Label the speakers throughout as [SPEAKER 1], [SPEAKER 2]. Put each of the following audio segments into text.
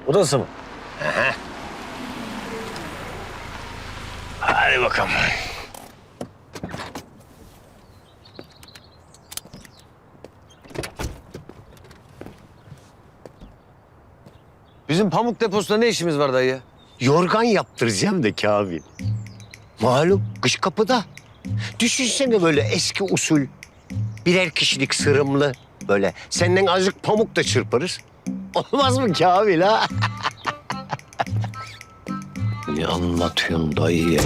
[SPEAKER 1] Burası mı? Aha. Hadi bakalım. Bizim pamuk deposunda ne işimiz var dayı ya?
[SPEAKER 2] Yorgan yaptıracağım da Kamil. Malum kış kapıda. Düşünsene böyle eski usul. Birer kişilik sırımlı. Böyle senden azıcık pamuk da çırparız. Olmaz mı Kamil ha?
[SPEAKER 1] Ne anlatıyorsun dayı ya?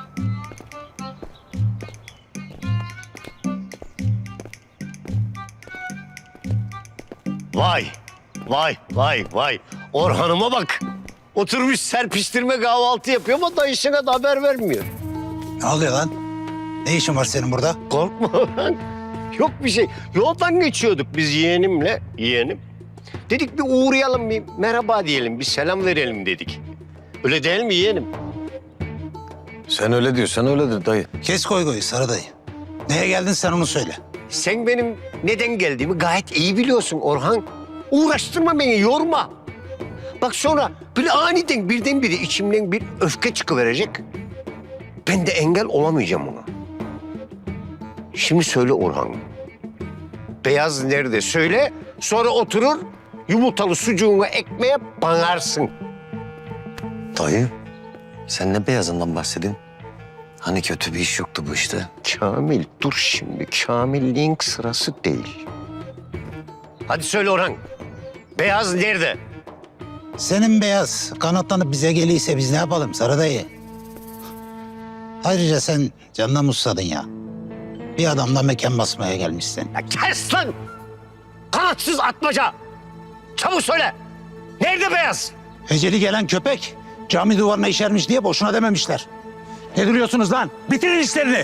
[SPEAKER 2] Vay, vay, vay, vay. Orhan'ıma bak. Oturmuş serpiştirme kahvaltı yapıyor ama dayısına da haber vermiyor.
[SPEAKER 3] Ne oluyor lan? Ne işin var senin burada?
[SPEAKER 2] Korkma Orhan. Yok bir şey. Yoldan geçiyorduk biz yeğenim. Dedik bir uğrayalım, bir merhaba diyelim, bir selam verelim dedik. Öyle değil mi yeğenim?
[SPEAKER 1] Sen öyle diyorsan öyledir dayı.
[SPEAKER 3] Kes koygoyu Sarı dayı. Neye geldin sen onu söyle.
[SPEAKER 2] Sen benim neden geldiğimi gayet iyi biliyorsun Orhan. Uğraştırma beni, yorma. Bak sonra böyle aniden birdenbire içimden bir öfke çıkıverecek. Ben de engel olamayacağım ona. Şimdi söyle Orhan. Beyaz nerede söyle, sonra oturur yumurtalı sucuğunu ekmeğe banarsın.
[SPEAKER 1] Dayı, sen ne beyazından bahsedin? Hani kötü bir iş yoktu bu işte.
[SPEAKER 2] Kamil dur şimdi, Kamilliğin sırası değil. Hadi söyle Orhan. Beyaz nerede?
[SPEAKER 3] Senin beyaz kanatlanıp bize geliyse biz ne yapalım Sarı dayı? Ayrıca sen canına musladın ya. Bir adamla mekan basmaya gelmişsin.
[SPEAKER 2] Ya kes lan! Kanatsız atmaca! Çabuk söyle! Nerede beyaz?
[SPEAKER 3] Eceli gelen köpek cami duvarına işermiş diye boşuna dememişler. Ne duruyorsunuz lan? Bitirin işlerini.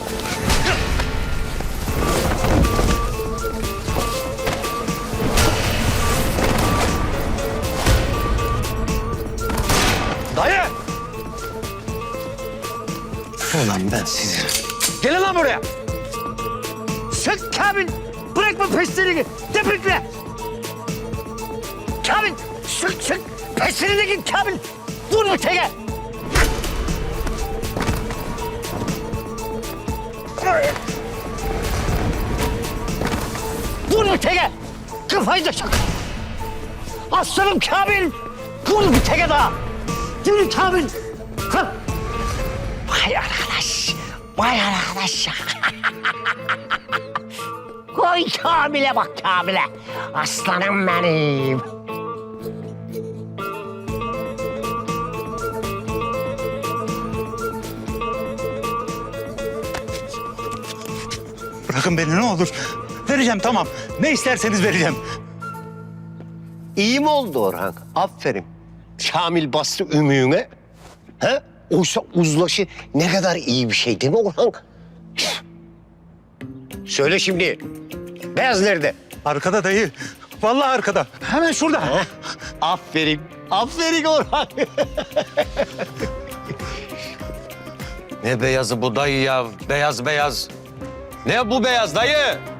[SPEAKER 2] Dayı!
[SPEAKER 1] Ulan ben sizi...
[SPEAKER 2] Gelin lan buraya! Sık Kamil! Bırakma peşlerini! Tepikle! Kamil! Sık! Peşlerine git Kamil! Vur bu teke! Vur bu teke! Kafayı da çak! Aslanım Kamil! Vur bir teke daha! Yürü Kamil! Kalk! Vay arkadaş! Vay arkadaş! Koy Kamil'e bak Kamil'e! Aslanım benim!
[SPEAKER 3] Bırakın beni ne olur. Vereceğim tamam. Ne isterseniz vereceğim.
[SPEAKER 2] İyi mi oldu Orhan? Aferin. Kamil bastı ümüğüne. He? Oysa uzlaşı ne kadar iyi bir şey değil mi Orhan? Söyle şimdi. Beyaz nerede?
[SPEAKER 3] Arkada dayı. Vallahi arkada. Hemen şurada.
[SPEAKER 2] Heh. Aferin. Aferin Orhan.
[SPEAKER 1] Ne beyazı bu dayı ya? Beyaz. Ne bu beyaz dayı?